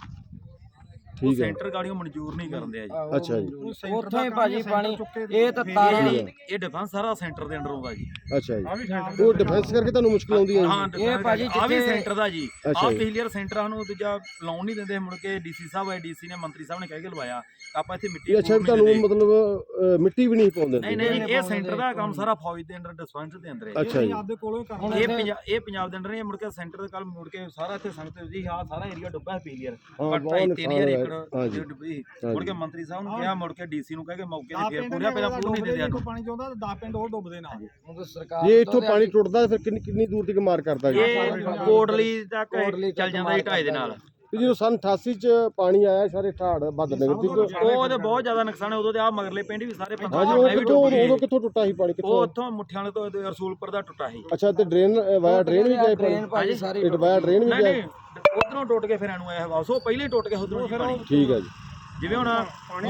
Speaker 2: ਉਹ
Speaker 5: ਠੀਕ ਹੈ,
Speaker 2: ਸੈਂਟਰ ਗਾੜੀਆਂ ਮਨਜ਼ੂਰ ਨਹੀਂ ਕਰਦੇ ਆ ਜੀ।
Speaker 5: ਅੱਛਾ ਜੀ,
Speaker 7: ਉੱਥੋਂ ਹੀ ਭਾਜੀ ਪਾਣੀ ਇਹ ਤਾਂ ਤਾਰਾਂ
Speaker 2: ਇਹ ਡਿਫੈਂਸ ਸਾਰਾ ਸੈਂਟਰ ਦੇ ਅੰਡਰ ਆਉਂਦਾ ਜੀ।
Speaker 5: ਅੱਛਾ ਜੀ, ਉਹ ਡਿਫੈਂਸ ਕਰਕੇ ਤੁਹਾਨੂੰ ਮੁਸ਼ਕਲ ਆਉਂਦੀ ਹੈ ਜੀ?
Speaker 2: ਹਾਂ,
Speaker 7: ਇਹ ਭਾਜੀ
Speaker 2: ਆ ਵੀ
Speaker 7: ਜਿੱਥੇ-
Speaker 2: ਸੈਂਟਰ ਦਾ ਜੀ।
Speaker 5: ਅੱਛਾ
Speaker 2: ਆ
Speaker 5: ਜੀ।
Speaker 2: ਪਿਛਲੀ ਵਾਰ ਸੈਂਟਰ ਸਾਨੂੰ ਦੂਜਾ ਲਾਉਣ ਨਹੀਂ ਦਿੰਦੇ, ਮੁੜ ਕੇ ਡੀਸੀ ਸਾਹਿਬ ਆਏ, ਡੀਸੀ ਨੇ ਮੰਤਰੀ ਸਾਹਿਬ ਨੇ ਕਹਿ ਕੇ ਲਵਾਇਆ। ਆਪਾਂ ਇੱਥੇ ਮਿੱਟੀ
Speaker 5: ਅੱਛਾ
Speaker 2: ਪੂਰ ਨਹੀਂ
Speaker 5: ਤੁਹਾਨੂੰ
Speaker 2: ਦਿੰਦੇ।
Speaker 5: ਮਤਲਬ ਮਿੱਟੀ ਵੀ ਨਹੀਂ ਪਾਉਂਦੇ?
Speaker 2: ਨਹੀਂ ਨਹੀਂ, ਇਹ ਸੈਂਟਰ ਦਾ ਕੰਮ ਸਾਰਾ ਫੌਜ ਦੇ ਅੰਡਰ ਡਿਸਪੈਂਸ ਦੇ ਅੰਦਰ ਹੈ।
Speaker 5: ਅੱਛਾ ਜੀ,
Speaker 2: ਇਹ ਪੰਜਾਬ ਦੇ ਅੰਡਰ ਨਹੀਂ, ਮੁੜ ਕੇ ਸੈਂਟਰ ਦੇ ਕੱਲ ਮੁੜ ਕੇ ਸਾਰਾ ਇੱਥੇ ਸੰਗਤ ਜੀ ਆ ਸਾਰਾ ਏਰੀਆ ਡੁੱਬਾ ਹੈ ਪਿਛਲੀ ਵਾਰ।
Speaker 5: ਹਾਂ,
Speaker 2: ਘੱਟ
Speaker 5: ਬਹੁਤ
Speaker 2: 3000
Speaker 5: ਨੁਕਸਾਨ
Speaker 2: ਏਕੜ
Speaker 5: ਹੋਇਆ।
Speaker 2: ਜੇ ਡੁੱਬੀ। ਮੁੜ ਕੇ ਮੰਤਰੀ ਸਾਹਿਬ ਨੂੰ ਕਿਹਾ, ਮੁੜ ਕੇ ਡੀਸੀ ਨੂੰ ਕਹਿ ਕੇ ਮੌਕੇ ਤੇ ਫੇਰ ਪੂਰਾ ਪਹਿਲਾਂ ਪੂਰ ਨਹੀਂ ਦਿੰਦੇ ਸਾਨੂੰ।
Speaker 8: ਪਾਣੀ ਚਾਹੁੰਦਾ 10 ਪਿੰਡ ਹੋਰ ਡੁੱਬਦੇ ਨਾਲ।
Speaker 7: ਸਰਕਾਰ
Speaker 5: ਜੇ ਇੱਥੋਂ ਪਾਣੀ ਟੁੱਟਦਾ ਫਿਰ ਕਿੰਨੀ ਦੂਰ ਤੱਕ ਮਾਰ ਕਰਦਾ ਜੀ?
Speaker 2: ਇਹ ਕੋਟਲੀ ਤੱਕ ਚੱਲ ਜਾਂਦਾ ਜੀ ਢਾਈ ਦੇ ਨਾਲ।
Speaker 5: ਤੇ ਜਦੋਂ ਸਨ 88 ਚ ਪਾਣੀ ਆਇਆ ਸਾਰੇ ਠਾੜ ਬੱਦ ਨਗਰ ਦੀ
Speaker 2: ਉਹ ਤੇ ਬਹੁਤ ਜ਼ਿਆਦਾ ਨੁਕਸਾਨ ਹੈ। ਉਦੋਂ ਤੇ ਆ ਮਗਰਲੇ ਪਿੰਡ ਵੀ ਸਾਰੇ
Speaker 5: ਹਾਂਜੀ,
Speaker 2: ਪੰਜਾਬ
Speaker 5: ਉਹ
Speaker 2: ਵੀ
Speaker 5: ਕਿੱਥੋਂ
Speaker 2: ਡੁੱਬ ਗਏ।
Speaker 5: ਉਦੋਂ ਕਿੱਥੋਂ ਟੁੱਟਾ ਸੀ ਪਾਣੀ
Speaker 2: ਉਹ
Speaker 5: ਕਿੱਥੋਂ?
Speaker 2: ਉੱਥੋਂ ਮੁੱਠਿਆਂ ਵਾਲੇ ਤੋਂ ਰਸੂਲਪੁਰ ਦਾ ਟੁੱਟਾ ਸੀ।
Speaker 5: ਅੱਛਾ, ਤੇ ਡਰੇਨ ਵਾਇਆ ਡਰੇਨ ਵੀ ਗਿਆ ਪਾਣੀ?
Speaker 7: ਭਾਜੀ ਸਾਰੀ
Speaker 5: ਇਹ ਵਾਇਆ ਡਰੇਨ ਵੀ
Speaker 2: ਨਹੀਂ
Speaker 5: ਗਿਆ?
Speaker 2: ਨਹੀਂ, ਉਧਰੋਂ ਟੁੱਟ ਕੇ ਫਿਰ ਇਹਨੂੰ ਆਇਆ ਵਾਪਸ। ਉਹ ਪਹਿਲੇ ਹੀ ਟੁੱਟ ਕੇ ਉਧਰੋਂ ਪਾਣੀ।
Speaker 5: ਠੀਕ ਹੈ ਜੀ,
Speaker 2: ਜਿਵੇਂ ਹੁਣ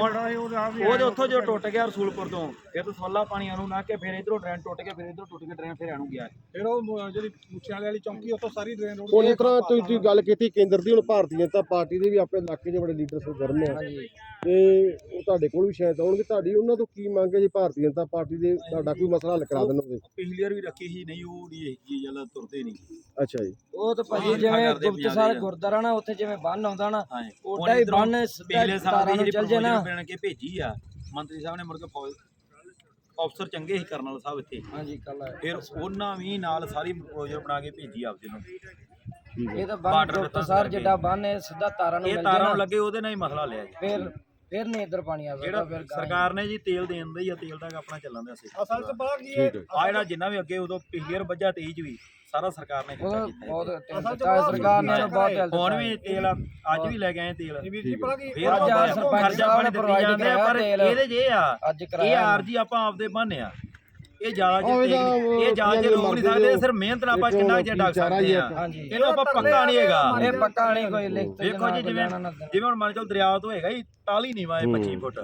Speaker 2: ਉਹਦੇ ਉੱਥੋਂ ਜੋ ਟੁੱਟ ਗਿਆ ਰਸੂਲਪੁਰ ਤੋਂ, ਫਿਰ ਤੋਂ ਸੋਲਾ ਪਾਣੀ ਨੂੰ ਨਾ ਕੇ ਫਿਰ ਇਧਰੋਂ ਡਰੇਨ ਟੁੱਟ ਕੇ ਫਿਰ ਇਧਰੋਂ ਟੁੱਟ ਕੇ ਡਰੇਨ ਫਿਰ ਇਹਨੂੰ ਗਿਆ।
Speaker 8: ਫਿਰ ਉਹ ਜਿਹੜੀ ਮੁੱਛਿਆਂ ਵਾਲੀ ਚੌਂਕੀ ਉੱਥੋਂ ਸਾਰੀ ਡਰੇਨ ਰੋਡ
Speaker 5: ਹੁਣ ਇਸ ਤਰ੍ਹਾਂ ਤੁਸੀਂ ਗੱਲ ਕੀਤੀ ਕੇਂਦਰ ਦੀ, ਹੁਣ ਭਾਰਤੀ ਜਨਤਾ ਪਾਰਟੀ ਦੇ ਵੀ ਆਪਣੇ ਇਲਾਕੇ 'ਚ ਬੜੇ ਲੀਡਰ ਸਰਗਰਮ ਆ, ਤੇ ਉਹ ਤੁਹਾਡੇ ਕੋਲ ਵੀ ਸ਼ਾਇਦ ਆਉਣਗੇ। ਤੁਹਾਡੀ ਉਹਨਾਂ ਤੋਂ ਕੀ ਮੰਗ ਹੈ ਜੀ ਭਾਰਤੀ ਜਨਤਾ ਪਾਰਟੀ ਦੇ ਤੁਹਾਡਾ ਕੋਈ ਮਸਲਾ ਹੱਲ ਕਰਾ ਦੇਣ ਉਹਦੇ?
Speaker 2: ਪਿਛਲੀ ਵਾਰ ਵੀ ਰੱਖੀ ਸੀ, ਨਹੀਂ ਉਹ ਨਹੀਂ ਇਹ ਗੱਲ ਤੁਰਦੇ ਨਹੀਂ।
Speaker 5: ਅੱਛਾ ਜੀ,
Speaker 7: ਉਹ ਤਾਂ ਭਾਜੀ
Speaker 2: ਹਾਂ,
Speaker 7: ਜਿਵੇਂ
Speaker 2: ਕਰਦੇ
Speaker 7: ਗੁਪਤਸਰ
Speaker 2: ਪੰਜਾਬ
Speaker 7: ਗੁਰਦੁਆਰਾ ਨਾ, ਉੱਥੇ ਜਿਵੇਂ ਬੰਨ ਆਉਂਦਾ ਨਾ,
Speaker 2: ਹਾਂ,
Speaker 7: ਉਹਦਾ ਹੀ ਬੰਨ ਸਿੱਧਾ
Speaker 2: ਪਿਛਲੇ ਸਾਲ
Speaker 7: ਤਾਰਾਂ
Speaker 2: ਦੀ
Speaker 7: ਨੂੰ
Speaker 2: ਜਿਹੜੀ
Speaker 7: ਚੱਲ ਜੇ ਨਾ।
Speaker 2: ਬਣ ਕੇ ਭੇਜੀ ਆ ਮੰਤਰੀ ਸਾਹਿਬ ਨੇ, ਮੁੜ ਕੇ ਫੌਜ ਅਫਸਰ ਚੰਗੇ ਸੀ ਕਰਨਲ ਸਾਹਿਬ ਇੱਥੇ,
Speaker 7: ਹਾਂਜੀ ਕੱਲ
Speaker 2: ਫਿਰ ਉਹਨਾਂ ਵੀ ਨਾਲ ਸਾਰੀ ਪ੍ਰੋਜੈਕਟ ਬਣਾ ਕੇ ਭੇਜੀ ਆਪਦੇ ਨੂੰ।
Speaker 7: ਇਹ ਤਾਂ ਬੰਨ ਗੁਪਤਸਰ ਜਿੱਡਾ ਬੰਨ ਹੈ, ਸਿੱਧਾ ਤਾਰਾਂ ਨੂੰ
Speaker 2: ਇਹ
Speaker 7: ਮਿਲ
Speaker 2: ਤਾਰਾਂ
Speaker 7: ਜੇ
Speaker 2: ਨੂੰ
Speaker 7: ਨਾ,
Speaker 2: ਲੱਗੇ ਉਹਦੇ ਨਾਲ ਹੀ ਮਸਲਾ ਲਿਆ ਜੀ।
Speaker 7: ਫਿਰ ਨਹੀਂ ਇੱਧਰ ਪਾਣੀ ਆ
Speaker 2: ਜਿਹੜਾ
Speaker 7: ਸਕਦਾ। ਫਿਰ
Speaker 2: ਸਰਕਾਰ ਨੇ ਜੀ ਤੇਲ ਦੇਣ ਦਾ ਹੀ ਆ, ਤੇਲ ਦਾ ਆਪਣਾ ਚੱਲਣ ਦਾ ਸੀ।
Speaker 8: ਅਸਲ 'ਚ ਪਤਾ ਕੀ
Speaker 5: ਠੀਕ ਹੈ।
Speaker 2: ਆ ਜਿਹੜਾ ਜਿੰਨਾ ਵੀ ਅੱਗੇ ਉਦੋਂ ਪਿਛਲੀ ਵਾਰ ਵੱਜਾ 23 ਚ ਵੀ ਸਾਰਾ ਸਰਕਾਰ ਨੇ ਖਰਚਾ
Speaker 7: ਉਹ
Speaker 2: ਕੀਤਾ ਜੀ।
Speaker 7: ਬਹੁਤ ਸਰਕਾਰ ਨੇ ਤਾਂ ਬਹੁਤ ਹੈਲਪ
Speaker 2: ਹੁਣ ਵੀ ਤੇਲ ਅੱਜ ਵੀ ਲੈ ਕੇ ਆਏ ਤੇਲ।
Speaker 8: ਵੀਰ ਜੀ ਪਤਾ ਕੀ
Speaker 2: ਫੇਰ
Speaker 7: ਅੱਜ
Speaker 2: ਆਉਂਦਾ
Speaker 7: ਸਰਪੰਚ
Speaker 2: ਖਰਚਾ
Speaker 7: ਸਾਹਿਬ
Speaker 2: ਪਾਣੀ
Speaker 7: ਨੇ
Speaker 2: ਦਿੱਤੀ
Speaker 7: provide
Speaker 2: ਜਾਂਦੇ ਆ, ਪਰ
Speaker 7: ਕਰਾਇਆ
Speaker 2: ਇਹਦੇ 'ਚ ਇਹ ਆ,
Speaker 7: ਅੱਜ
Speaker 2: ਇਹ
Speaker 7: ਕਰਾਇਆ
Speaker 2: ਆਰਜੀ ਆਪਾਂ ਆਪਦੇ ਬੰਨੇ ਆ। ਇਹ ਜ਼ਿਆਦਾ
Speaker 5: ਉਹ
Speaker 2: ਜੇ
Speaker 5: ਇਹਦਾ
Speaker 2: ਇਹ ਜ਼ਿਆਦਾ ਜੇ ਰੋਕ ਨਹੀਂ ਸਕਦੇ, ਸਿਰਫ ਮਿਹਨਤ ਨਾਲ ਆਪਾਂ ਕਿੰਨਾ ਜੇ ਡੱਕ ਸਕਦੇ ਆ।
Speaker 7: ਹਾਂਜੀ
Speaker 2: ਇਹਨੂੰ ਆਪਾਂ ਪੱਕਾ ਨਹੀਂ ਹੈਗਾ।
Speaker 7: ਇਹ ਪੱਕਾ ਨਹੀਂ ਕੋਈ ਲਿਖਤ
Speaker 2: ਦੇਖੋ ਜੀ, ਜਿਵੇਂ ਹੁਣ ਮੰਨ ਚਲ ਦਰਿਆ ਤੋਂ ਹੈਗਾ ਹੀ 43 ਨੀਵਾ 25 ਫੁੱਟ,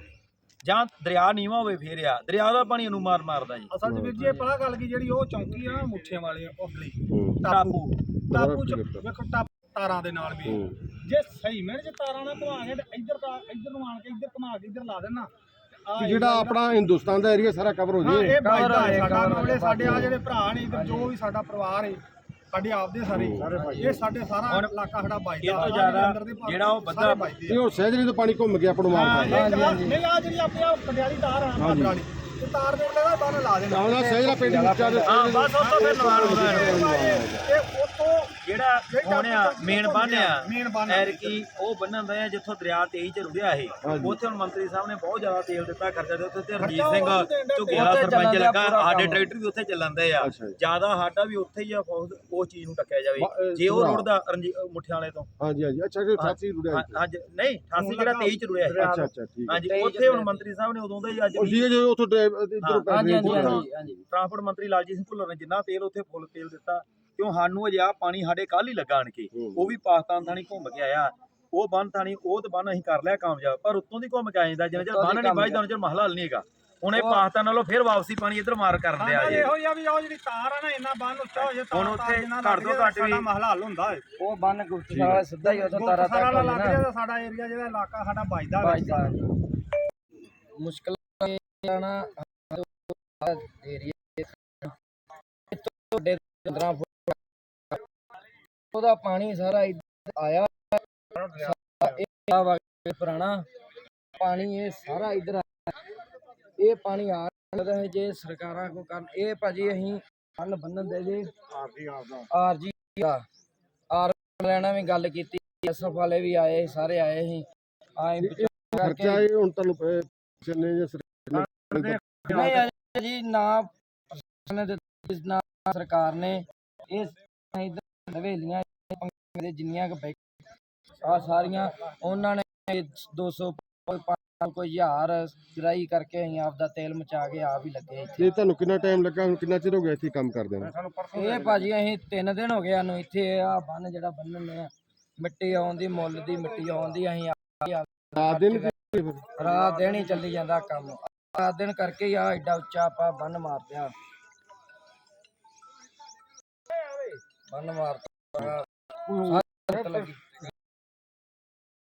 Speaker 2: ਜਾਂ ਦਰਿਆ ਨੀਵਾ ਹੋਵੇ ਫੇਰ ਆ ਦਰਿਆ ਦਾ ਪਾਣੀ ਇਹਨੂੰ ਮਾਰਦਾ ਜੀ।
Speaker 8: ਅਸਲ 'ਚ ਵੀਰ ਜੀ ਇਹ ਪਤਾ ਗੱਲ ਕੀ ਜਿਹੜੀ ਉਹ ਚੌਂਕੀ ਆ ਨਾ ਮੁੱਠਿਆਂ ਵਾਲੀ ਉਧਰਲੀ
Speaker 2: ਟਾਪੂ
Speaker 8: ਟਾਪੂ 'ਚ ਵੇਖੋ ਤਾਰਾਂ ਦੇ ਨਾਲ ਵੀ ਜੇ ਸਹੀ ਮਿਹਨਤ 'ਚ ਤਾਰਾਂ ਨਾਲ ਘੁਮਾ ਕੇ ਤੇ ਇੱਧਰ ਨੂੰ ਆਣ ਕੇ ਇੱਧਰ ਘੁਮਾ ਕੇ ਇੱਧਰ ਲਾ ਦੇਣਾ।
Speaker 5: ਕਿ ਜਿਹੜਾ ਆਪਣਾ ਹਿੰਦੁਸਤਾਨ ਦਾ ਏਰੀਆ ਸਾਰਾ ਕਵਰ ਹੋ
Speaker 8: ਹਾਂ,
Speaker 5: ਜੇ।
Speaker 8: ਇਹ ਬਾਈਦਾ ਹੈ ਸਾਡਾ ਮਾਮਲੇ। ਸਾਡੇ ਆ ਜਿਹੜੇ ਭਰਾ ਨੇ ਇੱਧਰ ਜੋ ਵੀ ਸਾਡਾ ਪਰਿਵਾਰ ਹੈ, ਸਾਡੇ ਆਪਦੇ ਸਾਰੇ ਇਹ ਸਾਡੇ ਸਾਰਾ ਇਲਾਕਾ ਸਾਡਾ ਬਾਈਦਾ।
Speaker 2: ਇਹ ਤੋਂ ਜ਼ਿਆਦਾ ਜਿਹੜਾ ਉਹ ਬੰਦਾ
Speaker 5: ਇਹ ਹੁਣ ਸਹਿਜਰੀ ਤੋਂ ਪਾਣੀ ਘੁੰਮ ਕੇ ਆਪਾਂ ਨੂੰ ਮਾਰ ਕਰਦਾ।
Speaker 8: ਨਹੀਂ ਆ ਜਿਹੜੀ ਆਪਣੀ ਆ ਕੰਡਿਆਲੀ ਤਾਰ ਆ ਬਾਦਰ ਵਾਲੀ, ਤੇ ਤਾਰ ਦੇ ਉੱਤੇ ਦਾ ਬੰਨ ਲਾ ਦੇਣਾ।
Speaker 5: ਉਹਦਾ ਸਹਿਜਰਾ ਪਿੰਡ ਉੱਚਾ ਤੇ
Speaker 2: ਹਾਂ ਬਸ ਉਹ ਤੋਂ ਫਿਰ ਨਵਾਲ ਹੁੰਦਾ
Speaker 8: ਇਹ ਉਤੋਂ
Speaker 2: ਜਿਹੜਾ ਹੋਣਿਆ ਮੇਨ ਬੰਨਿਆ
Speaker 8: ਮੇਨ ਬੰਨ
Speaker 2: ਐਰਕੀ ਉਹ ਬੰਨਣ ਦਾ ਜਿੱਥੋਂ ਦਰਿਆ 23 ਚ ਰੁੜਿਆ ਇਹ ਉੱਥੇ ਹੁਣ ਮੰਤਰੀ ਸਾਹਿਬ ਨੇ ਬਹੁਤ ਜ਼ਿਆਦਾ ਤੇਲ ਦਿੱਤਾ, ਖਰਚਾ ਦਿੱਤਾ। ਉੱਥੇ ਰਣਜੀਤ ਸਿੰਘ ਝੁੱਗੀਆਂ ਦਾ ਸਰਪੰਚ ਲੱਗਾ, ਸਾਡੇ ਟਰੈਕਟਰ ਵੀ ਉੱਥੇ ਚੱਲਣਦੇ ਆ। ਜ਼ਿਆਦਾ ਸਾਡਾ ਵੀ ਉੱਥੇ ਹੀ ਆ, ਉਸ ਚੀਜ਼ ਨੂੰ ਟੱਕਿਆ ਜਾਵੇ। ਜੇ ਉਹ ਰੁੜਦਾ ਮੁੱਠਿਆਂ ਵਾਲੇ ਤੋਂ,
Speaker 5: ਹਾਂਜੀ ਹਾਂਜੀ, ਅੱਛਾ ਕਿ 88 ਰੁੜਿਆ?
Speaker 2: ਹਾਂਜੀ ਨਹੀਂ 88 ਜਿਹੜਾ 23 ਚ ਰੁੜਿਆ
Speaker 5: ਅੱਛਾ ਅੱਛਾ, ਠੀਕ ਹੈ।
Speaker 2: ਹਾਂਜੀ, ਉੱਥੇ ਹੁਣ ਮੰਤਰੀ ਸਾਹਿਬ ਨੇ ਉਦੋਂ ਦਾ ਹੀ ਅੱਜ
Speaker 5: ਉਹ ਸੀਗੇ ਜੋ ਉੱਥੋਂ ਇਧਰੋਂ
Speaker 7: ਹਾਂਜੀ ਹਾਂਜੀ
Speaker 2: ਟਰਾਂਸਪੋਰਟ ਮੰਤਰੀ ਲਾਲਜੀਤ ਸਿੰਘ ਭੁੱਲਰ ਨੇ ਜਿੰਨਾ ਤੇਲ ਉੱਥੇ ਫੁੱਲ ਤੇਲ ਦਿੱਤਾ, ਕਿਉਂ ਸਾਨੂੰ ਅਜੇ ਆ ਪਾਣੀ ਸਾਡੇ ਕੱਲ ਹੀ ਲੱਗਾ ਆਣ ਕੇ। ਉਹ ਵੀ ਪਾਕਿਸਤਾਨ ਥਾਣੀ ਘੁੰਮ ਕੇ ਆਇਆ, ਉਹ ਬੰਨ ਥਾਣੀ ਉਹ ਤਾਂ ਬੰਨ ਅਸੀਂ ਕਰ ਲਿਆ ਕਾਮਯਾਬ, ਪਰ ਉੱਤੋਂ ਦੀ ਘੁੰਮ ਕੇ ਆ ਜਾਂਦਾ। ਜਿੰਨਾ ਚਿਰ ਬੰਨ ਨਹੀਂ ਵੱਜਦਾ ਉਹਨਾਂ ਚਿਰ ਮਸਲਾ ਹੱਲ ਨਹੀਂ ਹੈਗਾ। ਹੁਣ ਇਹ ਪਾਕਿਸਤਾਨ ਨਾਲੋਂ ਫਿਰ ਵਾਪਸੀ ਪਾਣੀ ਇੱਧਰ ਮਾਰ ਕਰਨ ਦਿਆ ਜੇ।
Speaker 8: ਇਹੋ ਜਿਹਾ ਵੀ ਉਹ ਜਿਹੜੀ ਤਾਰ ਆ ਨਾ, ਇੰਨਾ ਬੰਨ ਉੱਚਾ ਹੋ ਜੇ
Speaker 2: ਹੁਣ ਉੱਥੇ ਘੱਟ ਤੋਂ ਘੱਟ ਵੀ
Speaker 8: ਮਸਲਾ ਹੱਲ ਹੁੰਦਾ ਹੈ।
Speaker 7: ਉਹ ਬੰਨ ਗੁਪਤਸਰ ਸਿੱਧਾ ਹੀ ਉੱਥੋਂ ਤਾਰਾਂ
Speaker 8: ਸਾਰਾ
Speaker 7: ਤੱਕ
Speaker 8: ਲੱਗ
Speaker 7: ਨਾ
Speaker 8: ਜਾਂਦਾ। ਸਾਡਾ ਏਰੀਆ ਜਿਹੜਾ ਇਲਾਕਾ ਸਾਡਾ ਵੱਜਦਾ
Speaker 7: ਬਾਈਦਾ ਮੁਸ਼ਕਲ ਆਣਾ ਏਰੀਆ ਤੋਂ 15 ਫੁੱਟ ਉਹਦਾ ਪਾਣੀ ਸਾਰਾ ਇੱਧਰ ਆਇਆ। ਇਹ ਪੁਰਾਣਾ ਪਾਣੀ ਇਹ ਸਾਰਾ ਇੱਧਰ ਆਇਆ। ਇਹ ਪਾਣੀ ਆ ਸਕਦਾ ਹੈ ਜੇ ਸਰਕਾਰਾਂ ਕੋ ਕਰਨ। ਇਹ ਭਾਜੀ ਅਸੀਂ ਬੰਨ ਬੰਨਣ ਦੇ ਜੀ ਆਰਜੀ ਆਰ ਲੈਣਾ ਵੀ ਗੱਲ ਕੀਤੀ, ਐਸਐਫ ਵਾਲੇ ਵੀ ਆਏ, ਸਾਰੇ ਆਏ ਸੀ
Speaker 5: ਖਰਚਾ ਇਹ ਹੁਣ ਤੁਹਾਨੂੰ ਚੰਨੇ ਜਾਂ
Speaker 7: ਨਹੀਂ ਅਜੇ ਜੀ ਨਾ ਪ੍ਰਸ਼ਾਸਨ ਨੇ ਦਿੱਤੀ, ਨਾ ਸਰਕਾਰ ਨੇ। ਇਹ ਇੱਧਰ ਹਵੇਲੀਆਂ ਦੇ ਜਿੰਨੀਆਂ ਕੁ ਆ ਸਾਰੀਆਂ ਉਹਨਾਂ ਨੇ 200 ਕੋਈ 1000 ਗਰਾਈ ਕਰਕੇ ਅਸੀਂ ਆਪਦਾ ਤੇਲ ਮਚਾ ਕੇ ਆਪ ਹੀ ਲੱਗੇ ਇੱਥੇ।
Speaker 5: ਇਹ ਤੁਹਾਨੂੰ ਕਿੰਨਾ ਟਾਈਮ ਲੱਗਾ, ਹੁਣ ਕਿੰਨਾ ਚਿਰ ਹੋ ਗਿਆ ਇੱਥੇ ਕੰਮ ਕਰਦੇ ਨੂੰ?
Speaker 7: ਇਹ ਭਾਜੀ ਅਸੀਂ 3 ਦਿਨ ਹੋ ਗਏ ਸਾਨੂੰ ਇੱਥੇ ਆ ਬੰਨ ਜਿਹੜਾ ਬੰਨ੍ਹਨੇ ਆ, ਮਿੱਟੀ ਆਉਂਦੀ ਮੁੱਲ ਦੀ ਮਿੱਟੀ ਆਉਂਦੀ, ਅਸੀਂ
Speaker 5: ਰਾਤ ਦਿਨ
Speaker 7: ਰਾਤ ਦਿਨ ਹੀ ਚੱਲੀ ਜਾਂਦਾ ਕੰਮ, ਰਾਤ ਦਿਨ ਕਰਕੇ ਹੀ ਆ ਐਡਾ ਉੱਚਾ ਆਪਾਂ ਬੰਨ ਮਾਰਦਿਆ ਬੰਨ ਮਾਰਤਾ ਲੱਗੀ।